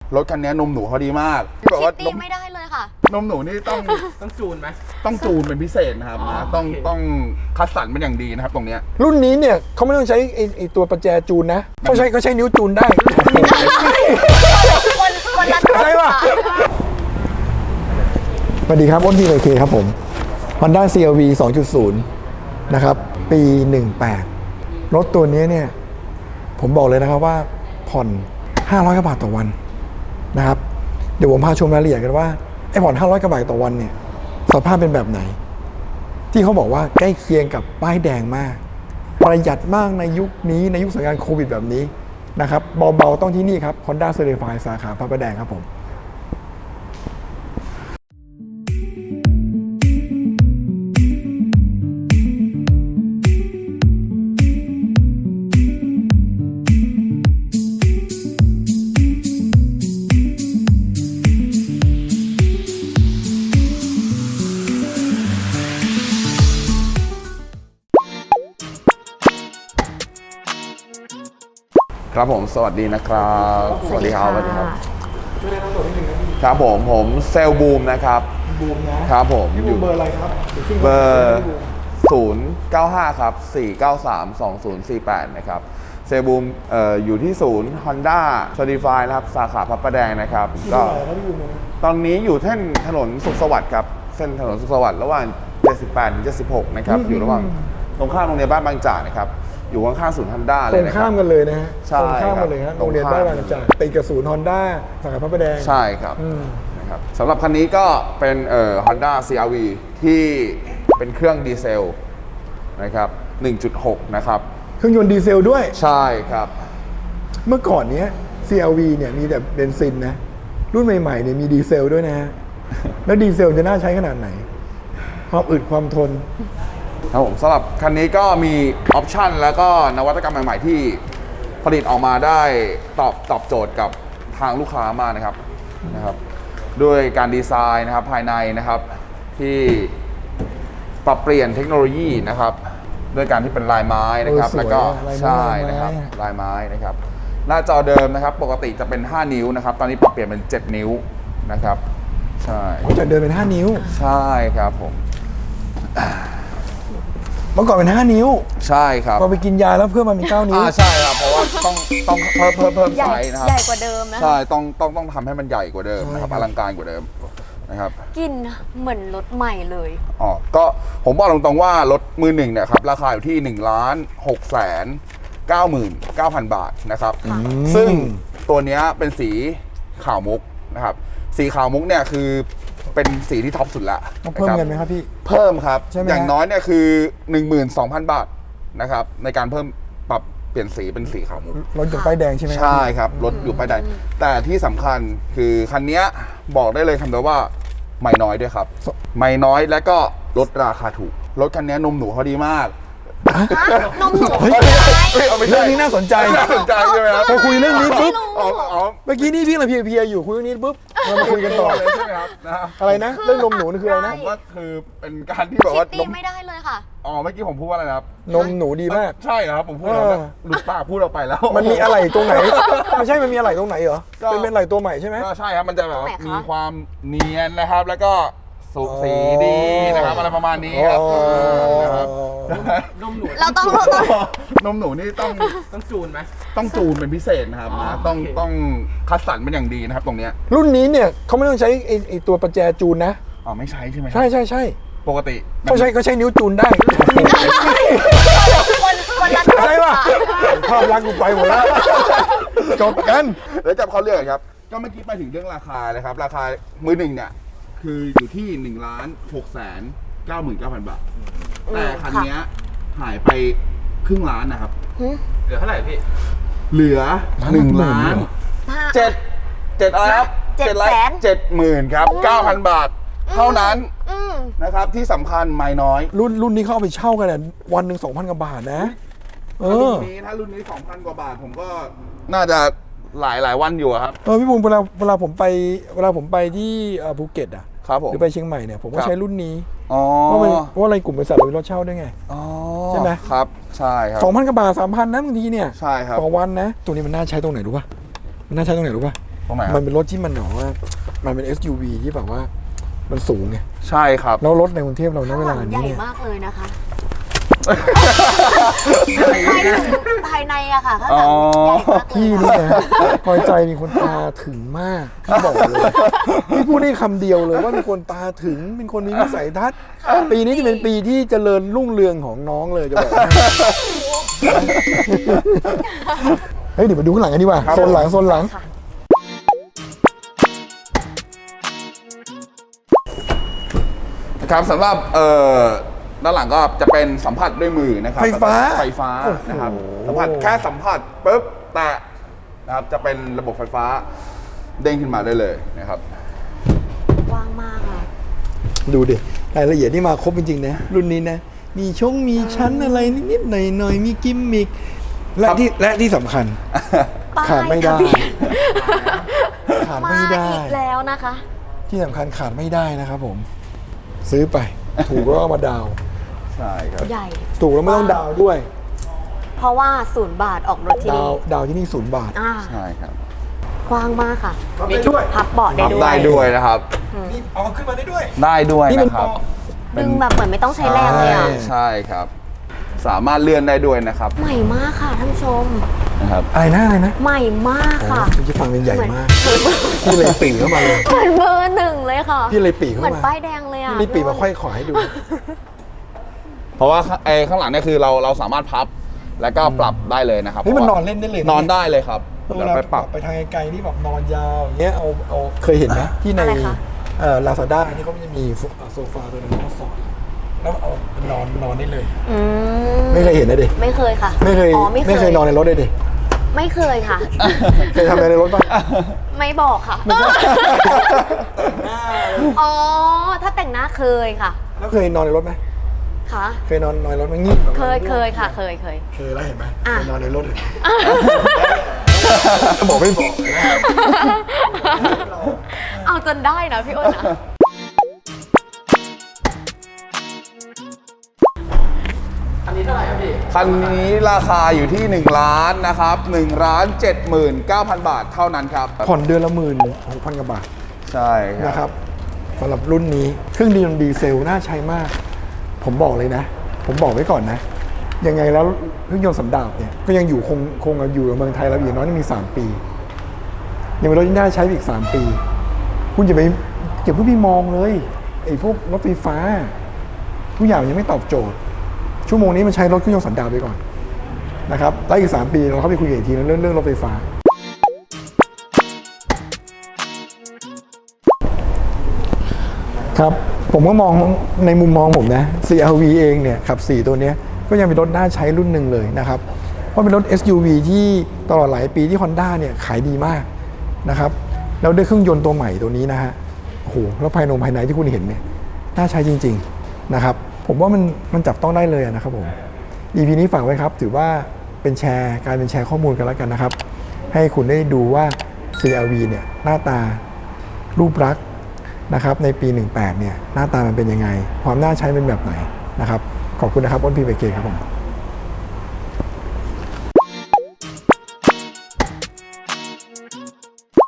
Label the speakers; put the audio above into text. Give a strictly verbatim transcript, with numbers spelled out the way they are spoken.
Speaker 1: รถคันนี้นมหนูเขาดีมากที่แบบว่า
Speaker 2: คิตตี้ไม่ได้เลยค่ะ
Speaker 1: นมหนูนี่ต้อง
Speaker 3: ต้องจูนไหม
Speaker 1: ต้องจูนเป็นพิเศษนะครับนะต้องต้องคัดสรรเป็นอย่างดีนะครับตรงเนี้ย
Speaker 4: รุ่นนี้เนี่ยเขาไม่ต้องใช้ไอ้ไอ้ตัวประแจจูนนะเขาใช้เขาใช้นิ้วจูนได้
Speaker 2: คนคนละ
Speaker 4: ใช่ป่ะสวัสดีครับอ้นทีไอเคครับผม Honda ซี อาร์ วี สองจุดศูนย์ นะครับปีหนึ่งแปดรถตัวนี้เนี่ยผมบอกเลยนะครับว่าผ่อนห้าร้อยกว่าบาทต่อวันนะครับเดี๋ยวผมพาชมรายละเอียดกันว่าไอ้ผ่อนห้าร้อยกว่าบาทต่อวันเนี่ยสภาพเป็นแบบไหนที่เขาบอกว่าใกล้เคียงกับป้ายแดงมากประหยัดมากในยุคนี้ในยุคสถานการณ์โควิดแบบนี้นะครับเบาๆต้องที่นี่ครับ Honda Certified สาขาพระประแดงครับผม
Speaker 1: ครับผมสวัสดีนะครับสวัสดีครับสวัสดีครับครับผมผมเซลบูมนะครับ
Speaker 4: บูมนะครับ
Speaker 1: ผม
Speaker 4: อยู่เบอร์อะไรครับ
Speaker 1: เบอร์ศูนย์ เก้า ห้าครับสี่ เก้า สาม สอง ศูนย์ สี่ แปดนะครับเซลบูมเอ่ออยู่ที่ศูนย์ Honda Certified นะครับสาขาพระประแดงนะครับก็ตอนนี้อยู่เส้นถนนสุขสวัสดิ์ครับเส้นถนนสุขสวัสดิ์ระหว่างเจ็ดสิบแปดถึงเจ็ดสิบหกนะครับอยู่ระหว่างตรงข้ามโรงเรียนบ้านบางจากนะครับอยู่ข้างๆศูนย์ Honda เลยนะครับ
Speaker 4: ตรงข้ามกันเลยนะฮะ
Speaker 1: ใช่
Speaker 4: ตรงข้ามกันเลยฮะโรงเรียนบ้านบางจากติดกับศูนย์ Honda สาขาพระประแดง
Speaker 1: ใช่ครับนะครับสำหรับคันนี้ก็เป็นเอ่อ Honda ซี อาร์ วี ที่เป็นเครื่องดีเซลนะครับ หนึ่งจุดหก นะครับ
Speaker 4: เครื่องยนต์ดีเซลด้วย
Speaker 1: ใช่ครับ
Speaker 4: เมื่อก่อนเนี้ย ซี อาร์ วี เนี่ยมีแต่เบนซินนะรุ่นใหม่ๆเนี่ยมีดีเซลด้วยนะฮะแล้วดีเซลจะน่าใช้ขนาดไหนความอึดความทน
Speaker 1: ครับผมสำหรับคันนี้ก็มีออปชันแล้วก็นวัตกรรมใหม่ๆที่ผลิตออกมาได้ตอบตอบโจทย์กับทางลูกค้ามากนะครับนะครับด้วยการดีไซน์นะครับภายในนะครับที่ปรับเปลี่ยนเทคโนโลยีนะครับด้วยการที่เป็นลายไม้นะครับแล้วก็ใช่นะครับลายไม้นะครับหน้าจอเดิมนะครับปกติจะเป็นห้านิ้วนะครับตอนนี้ปรับเปลี่ยนเป็นเจ็ดนิ้วนะครับใช่
Speaker 4: จากเดิมเป็นห้านิ้ว
Speaker 1: ใช่ครับผม
Speaker 4: เมื่อก่อนเป็นห้านิ้ว
Speaker 1: ใช่ครับ
Speaker 4: พอไปกินยาแล้วเพิ่มมาเป็นเก้านิ้ว
Speaker 1: อ่าใช่ครับเพราะว่าต้องต้องเพิ่มเพิ่มเพิ่มไซส์นะครับ
Speaker 2: ใหญ่กว่าเดิมนะ
Speaker 1: ใช่ต้องต้องต้องทำให้มันใหญ่กว่าเดิมนะครับอลังการกว่าเดิมนะครับ
Speaker 2: กินเหมือนรถใหม่เลย
Speaker 1: อ๋อก็ผมบอกตรงๆว่ารถมือหนึ่งเนี่ยครับราคาอยู่ที่หนึ่งล้านหกแสนเก้าหมื่นเก้าพันบาทนะครับซึ่งตัวนี้เป็นสีขาวมุกนะครับสีขาวมุกเนี่ยคือเป็นสีที่ท็อปสุดละ
Speaker 4: เพิ่มเงินไหมครับพี่
Speaker 1: เพิ่มครับอย่างน้อยเนี่ยคือ หนึ่งหมื่นสองพัน บาทนะครับในการเพิ่มปรับเปลี่ยนสีเป็นสีขาวมุก
Speaker 4: รถอยู่ป้ายแดงใช่ไหม
Speaker 1: ใช่ครับรถอยู่ป้ายแดงแต่ที่สำคัญคือคันนี้บอกได้เลยคำเดียวว่าไม่น้อยด้วยครับไม่น้อยและก็ลดราคาถูกรถคันนี้นมหนูเขาดีมาก
Speaker 2: นมหนู
Speaker 4: เรื่องนี้น่าสนใจ
Speaker 1: น่าสนใจใช่ไหมครับ
Speaker 4: พอคุยเรื่องนี้ปุ๊บ
Speaker 1: อ๋อ
Speaker 4: เมื่อกี้นี่พี่เราเพียๆอยู่คุยเรื่องนี้ปุ๊บเรามาคุยกันต่อ
Speaker 1: เลยใช่ไหมครับ
Speaker 4: อะไรนะเรื่องนมหนูนี่คืออะไรนะ
Speaker 1: ผมว่าคือเป็นการที่แบบว่าน
Speaker 2: มไม่ได้เลยค่ะ
Speaker 1: อ๋อเมื่อกี้ผมพูดว่าอะไรครับ
Speaker 4: นมหนูดีมาก
Speaker 1: ใช่ครับผมพูดแล้วหลุดปากพูดออกไปแล้ว
Speaker 4: มันมีอะไรตรงไหนไม่ใช่มันมีอะไรตรงไหนเหรอเป็นเป็นอะไรตัวใหม่ใช่ไหม
Speaker 1: ก็ใช่ครับมันจะแบบมีความเนียนนะครับแล้วก็สุกสีดีนะครับอะไรประมาณนี้ครับ
Speaker 3: นมหนู
Speaker 2: เราต้อง
Speaker 1: นมหนูนี่ต้อง
Speaker 3: ต้องจูนไหม
Speaker 1: ต้องจูนเป็นพิเศษนะครับนะต้องต้องคัดสรรเป็นอย่างดีนะครับตรงเนี้ย
Speaker 4: รุ่นนี้เนี่ยเขาไม่ต้องใช้ไอ้ไอ้ตัวประแจจูนนะ
Speaker 1: อ๋อไม่ใช่ใช่ไหม
Speaker 4: ใช่ใช่ใช่
Speaker 1: ปกติ
Speaker 4: เขาใช้เขาใช้นิ้วจูนได้
Speaker 2: คนคนละ
Speaker 4: ใช่ป่ะภาพลักษณ์กูไปหมดแล้วจบกัน
Speaker 1: แล้วจับเขาเรื่องครับก็เมื่อกี้ไปถึงเรื่องราคาเลยครับราคามือหนึ่งเนี่ยคืออยู่ที่หนึ่งล้านหกแสนเก้าหมื่นเก้าพันบาทแต่คันนี้หายไปครึ่งล้านนะครับ
Speaker 3: เหลือเท่าไหร่พี่
Speaker 1: เหลือหนึ่งล้านเจ็ดเจ็ดอะไรครับ
Speaker 2: เจ็ดแสน
Speaker 1: เจ็ดหมื่นครับเก้าพันบาทเท่านั้นนะครับที่สำคัญไม่น้อย
Speaker 4: รุ่นรุ่นนี้เขาเอาไปเช่ากันวันหนึ่งสองพันกว่าบาทนะ
Speaker 1: เออรุ่นนี้ถ้ารุ่นนี้สองพันกว่าบาทผมก็น่าจะหลายหลายวันอยู่ครับ
Speaker 4: เออพี่บุญเวลาเวลาผมไปเวลาผมไปที่ภูเก็ตอ่ะ
Speaker 1: ครับผม
Speaker 4: หรือไปเชียงใหม่เนี่ยผมก็ใช้รุ่นนี้
Speaker 1: อ๋อ
Speaker 4: เพราะมันเพราะอะไรกลุ่มบริษัทเรามีรถเช่าด้วยไง
Speaker 1: อ๋อ
Speaker 4: ใช่ไหม
Speaker 1: ครับใช่ครับ
Speaker 4: สองพันกว่าบาทสามพันนะบางทีเนี่ย
Speaker 1: ใช่ครับ
Speaker 4: ต่อวันนะตัวนี้มันน่าใช้ตรงไหนรู้ป่ะมันน่าใช้ตรงไหนรู้ป่ะ
Speaker 1: ตรงไหนครับ
Speaker 4: มันเป็นรถที่มันแบบว่า มันเป็น เอส ยู วี ที่แบบว่ามันสูงไง
Speaker 1: ใช่ครับ
Speaker 4: แล้วรถในกรุงเทพเราณ
Speaker 2: ข้าง
Speaker 4: เว
Speaker 2: ห
Speaker 4: ลา
Speaker 2: ลังให
Speaker 4: นี้
Speaker 2: ญ่
Speaker 4: เนี่ย
Speaker 2: มากเลยนะคะภายในภายในอะค่ะข้างหลังใหญ่มากเลย
Speaker 4: พี่นี่นะพลอยใจมีคนตาถึงมากพี่บอกเลยพี่พูดได้คำเดียวเลยว่ามีคนตาถึงเป็นคนมีวิสัยทัศน์ปีนี้จะเป็นปีที่เจริญรุ่งเรืองของน้องเลยจะบอกให้เฮ้ยเดี๋ยวมาดูข้างหลังกันดีกว่า
Speaker 1: ครับ
Speaker 4: โซนหลังโซนหลัง
Speaker 2: ค่ะ
Speaker 1: ครับสำหรับเอ่อด้านหลังก็จะเป็นสัมผัสด้วยมือนะครับ
Speaker 4: ไฟฟ้า
Speaker 1: ไฟฟ้านะครับ
Speaker 4: โอ้โห
Speaker 1: สัมผัสแค่สัมผัสปุ๊บแตะนะครับจะเป็นระบบไฟฟ้าเด้งขึ้นมาได้เลยนะครับ
Speaker 2: กว้างมากอะ
Speaker 4: ดูดิรายละเอียดนี่มาครบจริงๆนะรุ่นนี้นะมีชงมีชั้นอะไรนิดๆหน่อยๆมีกิมมิคและ
Speaker 1: ครับ
Speaker 4: ที่และที่สำคัญ
Speaker 2: ป้าย
Speaker 4: ขาดไม่ได้
Speaker 2: ทะเบียน
Speaker 4: ขาด
Speaker 2: มา
Speaker 4: ไม่ได้
Speaker 2: อีกแล้วนะคะ
Speaker 4: ที่สำคัญขาดไม่ได้นะครับผม ซื้อไป ถูกแล้วก็มาดาวน์
Speaker 1: ใช่ครับ
Speaker 2: ใหญ่
Speaker 4: ถูกแล้วไม่ต้องดาวน์ด้วย
Speaker 2: เพราะว่าศูนย์บาทออกรถที่
Speaker 4: ดา
Speaker 2: นี่
Speaker 4: วน์ดาวน์ที่นี่ศูนย์บาท
Speaker 2: อ่า
Speaker 1: ใช่ครับ
Speaker 2: กว้างมากค่ะ
Speaker 4: มีด้วย
Speaker 2: พับเบาะได้
Speaker 1: ทำ
Speaker 2: ด้วย
Speaker 1: ได้ด้วยนะครับ
Speaker 4: นี่เอาขึ้นมาได้ด้วย
Speaker 1: ได้ด้วย
Speaker 4: นี่เป็น
Speaker 1: นะครับ
Speaker 4: เบาะ
Speaker 2: ดึงแบบเหมือนไม่ต้องใช้แรงเลยอ่ะ
Speaker 4: ใช่
Speaker 1: ใช่ครับ สามารถเลื่อนได้ด้วยนะครับ
Speaker 2: ใหม่มากค่ะท่านผู้ชม
Speaker 1: นะครับ
Speaker 4: อะไรนะอะไรนะ
Speaker 2: ใหม่มาก
Speaker 4: โอ้
Speaker 2: ค่ะ
Speaker 4: พี่ฟังเป็นใหญ่มาก
Speaker 2: เหมือน
Speaker 4: พี่เลยปีเข้ามาเลย
Speaker 2: เหมือนเบอร์หนึ่งเลยค่ะ
Speaker 4: พี่เลยปีเข้า
Speaker 2: เหมือน
Speaker 4: มา
Speaker 2: ป้ายแดงเลยอ่ะ
Speaker 4: พี่เลยปีมาค่อยขอให้ดู
Speaker 1: เพราะว่าไอ้ข้างหลังเนี่ยคือเราเราสามารถพับแล้วก็ปรับได้เลยนะครับ
Speaker 4: เฮ้ยมัน
Speaker 1: พ
Speaker 4: น
Speaker 1: ราะ
Speaker 4: อ
Speaker 1: ว่าน
Speaker 4: เล่นได้เลย
Speaker 1: นอนได้เลยครับ
Speaker 4: เว
Speaker 1: เดี๋ยว
Speaker 4: ลา
Speaker 1: ไปปรับ
Speaker 4: ไปทางไกลๆนี่แบบนอนยาวอย่างเงี้ยเอาเอาเคยเห็นไหมที่ใน
Speaker 2: อะไรคะ
Speaker 4: เอ่อลาซาด้าที่เขาจะมีโซฟาตัวนึงเขาสอนแล้วเอานอนนอนได้เลย
Speaker 2: อื
Speaker 4: ไม่เคยเห็นนะดิ
Speaker 2: ไม่เคยค่ะ
Speaker 4: ไม่เคย
Speaker 2: อ๋อไม่เคย
Speaker 4: ไม่เคยนอนในรถเลยดิ
Speaker 2: ไม่เคยค่ะ
Speaker 4: เคยทำอะไรในรถป่ะ
Speaker 2: ไม่บอกค่ะ อ๋อ ถ้าแต่งหน้าเคยค่ะ
Speaker 4: แล้วเคยนอนในรถไหม
Speaker 2: ค่ะ
Speaker 4: เคยนอนนอนในรถไหมงี้แบบ
Speaker 2: เคยเคยค่ะ เคยเคย
Speaker 4: เคยแล้วเห็นไหม
Speaker 2: อ่ะ
Speaker 4: เคยนอนในรถเลยบอกไม่บอกเลยนะ
Speaker 2: เอาจนได้นะพี่อ้นนะ
Speaker 3: อันนี้เท่าไหร่ครับพี่
Speaker 1: คันนี้ราคาอยู่ที่1ล้านนะครับ1ล้านเจ็ดหมื่นเก้าพันบาทเท่านั้นครับ
Speaker 4: ผ่อนเดือนละหมื่นหกพันกว่าบาท
Speaker 1: ใช่ค
Speaker 4: นะค
Speaker 1: รั
Speaker 4: รั
Speaker 1: บบ
Speaker 4: สำหรับรุ่นนี้เครื่องดีดีเซลน่าใช้มาก ผมบอกเลยนะ ผมบอกไว้ก่อนนะ ยังไงแล้วเครื่องยนต์สันดาปเนี่ยก็ยังอยู่คงคงอยู่ในเมืองไทยเราอย่างน้อยยังมีสามปียังเป็นรถที่น่าใช้อีกสามปี คุณอย่าไปอย่าเพิ่งไปมองเลยไอ้พวกรถไฟฟ้าทุกอย่างยังไม่ตอบโจทย์ ชั่วโมงนี้มันใช้รถเครื่องยนต์สันดาปไปก่อนนะครับแล้วอีกสามปีเราเข้าไปคุยกันอีกทีเรื่องเรื่องรถไฟฟ้า ครับผมก็มองในมุมมองผมนะ ซี อาร์ วี เองเนี่ยขับสี่ตัวเนี้ยก็ยังเป็นรถน่าใช้รุ่นหนึ่งเลยนะครับเพราะเป็นรถ เอส ยู วี ที่ตลอดหลายปีที่ Honda เนี่ยขายดีมากนะครับแล้วด้วยเครื่องยนต์ตัวใหม่ตัวนี้นะฮะโอ้โหแล้วภายในภายในที่คุณเห็นเนี่ยน่าใช้จริงๆนะครับผมว่ามันมันจับต้องได้เลยนะครับผม อี พี นี้ฝากไว้ครับถือว่าเป็นแชร์การเป็นแชร์ข้อมูลกันแล้วกันนะครับให้คุณได้ดูว่า ซี อาร์ วี เนี่ยหน้าตารูปลักษณ์นะครับในปี หนึ่งแปด เนี่ยหน้าตามันเป็นยังไงความน่าใช้เป็นแบบไหนนะครับขอบคุณนะครับอ้นพีไปเกครับผม